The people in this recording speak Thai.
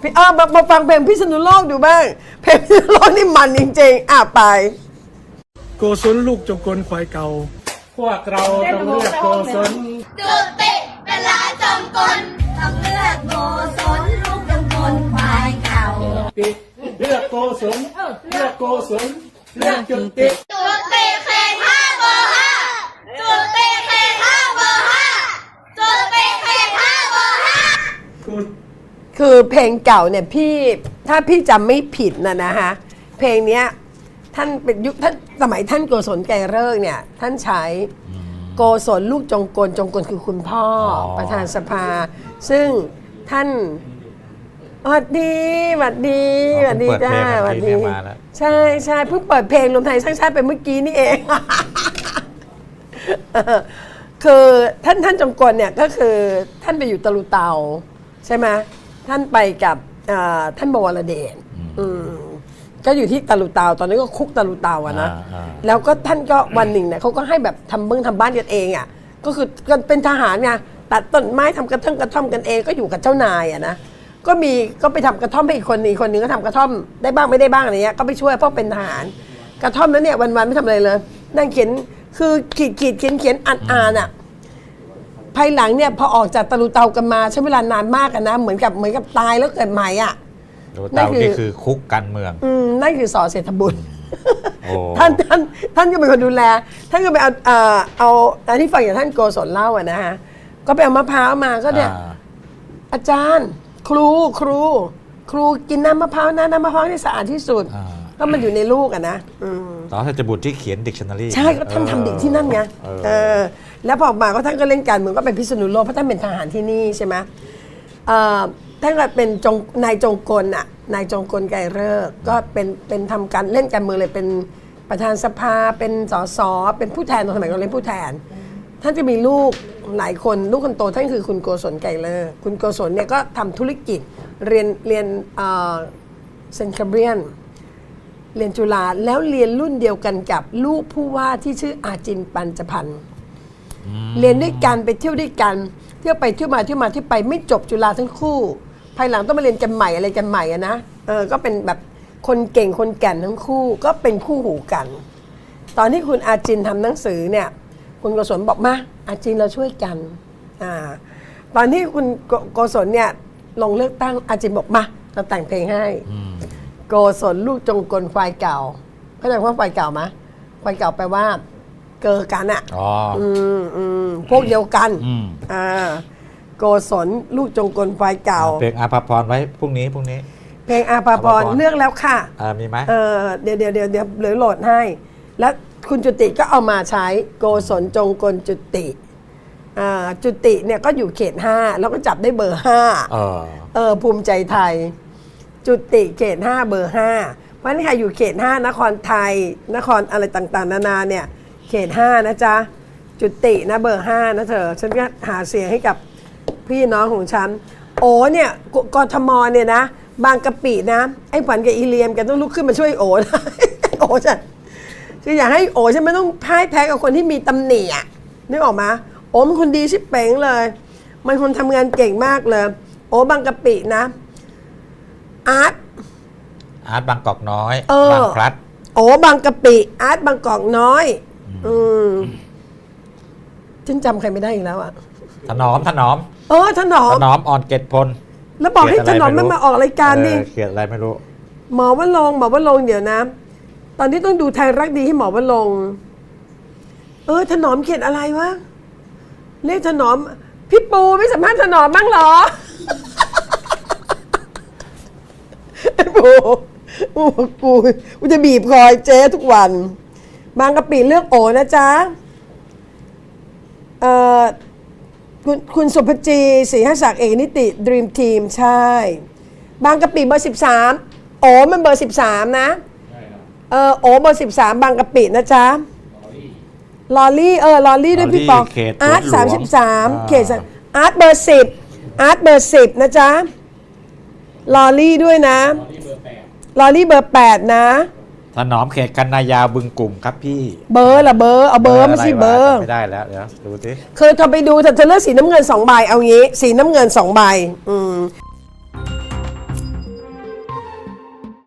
มาฟังเพลงพิษณุโลกดูบ้างเพลงพิษณุโลกนี่มันจริงๆไปโกศลลูกจงกลควายเก่าพวกเราต้องเลือกโกศลจุติเป็นลาจงกลต้องเลือกโกศลลูกจงกลควายเก่าเลือกโกศลเลือกโกศลเลือกจุติจุติเขต5เบอร์5จุติเขต5เบอร์5จุติเขต5เบอร์5 คือเพลงเก่าเนี่ยถ้าพี่จำไม่ผิดนะฮะเพลงเนี้ยท่านเป็นยุคท่านสมัยท่านโกศลไกรฤกษ์เนี่ยท่านใช้โกศลลูกจงกลคือคุณพ่อประธานสภาซึ่งท่านสวัสดีจ้าสวัสดีใช่เพิ่งเปิดเพลงรวมไทยสร้างชาติไปเมื่อกี้นี่เองคือท่านจงกลเนี่ยก็คือท่านไปอยู่ตะลุเตาใช่ไหมท่านไปกับท่านบวรเดชก็อยู่ที่ตะลุเตาตอนนี้ก็คุกตะลุเตาอะนะแล้วก็ท่านก็วันหนึ่งเนี่ยเขาก็ให้แบบทำบ้านกันเองอะก็คือเป็นทหารไงตัดต้นไม้ทำกระท่อมกันเองก็อยู่กับเจ้านายอะนะก็ไปทำกระท่อมให้อีกคนนึงก็ทำกระท่อมได้บ้างไม่ได้บ้างอะไรเงี้ยก็ไปช่วยเพราะเป็นทหารกระท่อมนั้นเนี่ยวันๆไม่ทำอะไรเลยนั่งเขียนคือขีดเขียนอ่านอะภายหลังเนี่ยพอออกจากตะลุเตากันมาใช้เวลานานมากนะเหมือนกับตายแล้วเกิดใหม่อ่ะตะลุเตานี่คือคุกการเมืองนั่นคือสอเศรษฐบุญท่านก็เป็นคนดูแลท่านก็ไปเอาอันที่ฟังอย่างท่านโกศลเล่าอ่ะนะฮะก็ไปเอามะพร้าวมาก็เนี่ยอาจารย์ครูกินน้ำมะพร้าวนะน้ำมะพร้าวนี่สะอาดที่สุดก็มันอยู่ในลูกอ่ะนะสอเศรษฐบุญที่เขียนดิกชันนารีใช่ก็ท่านทำดิกที่นั่นไงแล้วพอมาก็ท่านก็เล่นการเมืองก็เป็นพิษณุโลกเพราะท่านเป็นทหารที่นี่ใช่ไหมท่านก็เป็นนายจงกลอ่ะนายจงกลไกรฤกษ์ก็เป็นทำการเล่นการเมืองเลยเป็นประธานสภาเป็นสสเป็นผู้แทนตอนสมัยเราเล่นผู้แทนท่านจะมีลูกหลายคนลูกคนโตท่านคือคุณโกศลไกรฤกษ์คุณโกศลเนี่ยก็ทำธุรกิจเรียนเซนต์แคเบรียนเรียนจุฬาแล้วเรียนรุ่นเดียวกันกับลูกผู้ว่าที่ชื่ออาจินปัญจพันธ์เรียนด้วยกันไปเที่ยวด้วยกันเที่ยวไปเที่ยวมาที่ไปไม่จบจุฬาทั้งคู่ภายหลังต้องมาเรียนกันใหม่อะไรกันใหม่อะนะก็เป็นแบบคนเก่งคนแก่นทั้งคู่ก็เป็นคู่หูกันตอนที่คุณอาจินทำหนังสือเนี่ยคุณโกศลบอกมาอาจินเราช่วยกันตอนที่คุณโกศลเนี่ยลงเลือกตั้งอาจินบอกมาเราแต่งเพลงให้โกศลลูกจงกลควายเก่าเข้าใจว่าควายเก่าไหมควายเก่าแปลว่าเกิดกันอ่ะพวกเดียวกันโกศลลูกจงกลควายเก่าเพลงอาภาพรไว้พรุ่งนี้เพลงอาภาพรเลือกแล้วค่ะมีไหมเดี๋ยวเหลือโหลดให้แล้วคุณจุติก็เอามาใช้โกศลจงกลจุติจุติเนี่ยก็อยู่เขต5แล้วก็จับได้เบอร์5ภูมิใจไทยจุติเขต5เบอร์5เพราะนี่ใครอยู่เขต5นครไทยนครอะไรต่างๆนานาเนี่ยเขต5นะจ๊ะจุตินะเบอร์5นะเธอฉันก็หาเสียงให้กับพี่น้องของฉันโอ้เนี่ยกทมเนี่ยนะบางกะปินะไอ้ขวัญกับอีเลียมแกต้องลุกขึ้นมาช่วยโอ้นะโอ้จ้ะคืออยากให้โอ้ฉันไม่ต้องพ่ายแพ้กับคนที่มีตำหนิอ่ะนึกออกมาโอ้มันคนดีชิบเป๋งเลยมันคนทำงานเก่งมากเลยโอ้บางกะปินะอาร์ตบางกอกน้อยบางพลัดโอ้บางกะปิอาร์ตบางกอกน้อยฉันจำใครไม่ได้อีกแล้วอ่ะถนอมถนอมอ่อนเกตพลแล้วบอกให้ถนอมมันมาออกรายการนี่เขียนอะไรไม่รู้หมอว่าลงเดี๋ยวนะตอนนี้ต้องดูไทยรักดีให้หมอว่าลงถนอมเขียนอะไรวะเรียกถนอมพี่ปูไม่สัมภาษณ์ถนอมบ้างเหรอกูจะบีบคอยเจ๊ทุกวันบางกะปิเลือกโอนะจ๊ะคุณสุภจีศรีหศักดิ์เอกนิติดรีมทีมใช่บางกะปิเบอร์13โอมันเบอร์13นะโอเบอร์13บางกะปินะจ๊ะลอรี่ด้วยพี่ปองอาร์ต33เขตอาร์ตเบอร์10นะจ๊ะลอรี่ด้วยนะลอรี่เบอร์8นะถนอมเขตกันนายาวบึงกลุ่มครับพี่เบอร์เอาเบอร์ไม่ใช่เบอร์ไม่ได้แล้วเดี๋ยวดูสิคือเธอไปดูเธอเลือกสีน้ำเงิน2ใบเอางี้สีน้ำเงิน2ใบ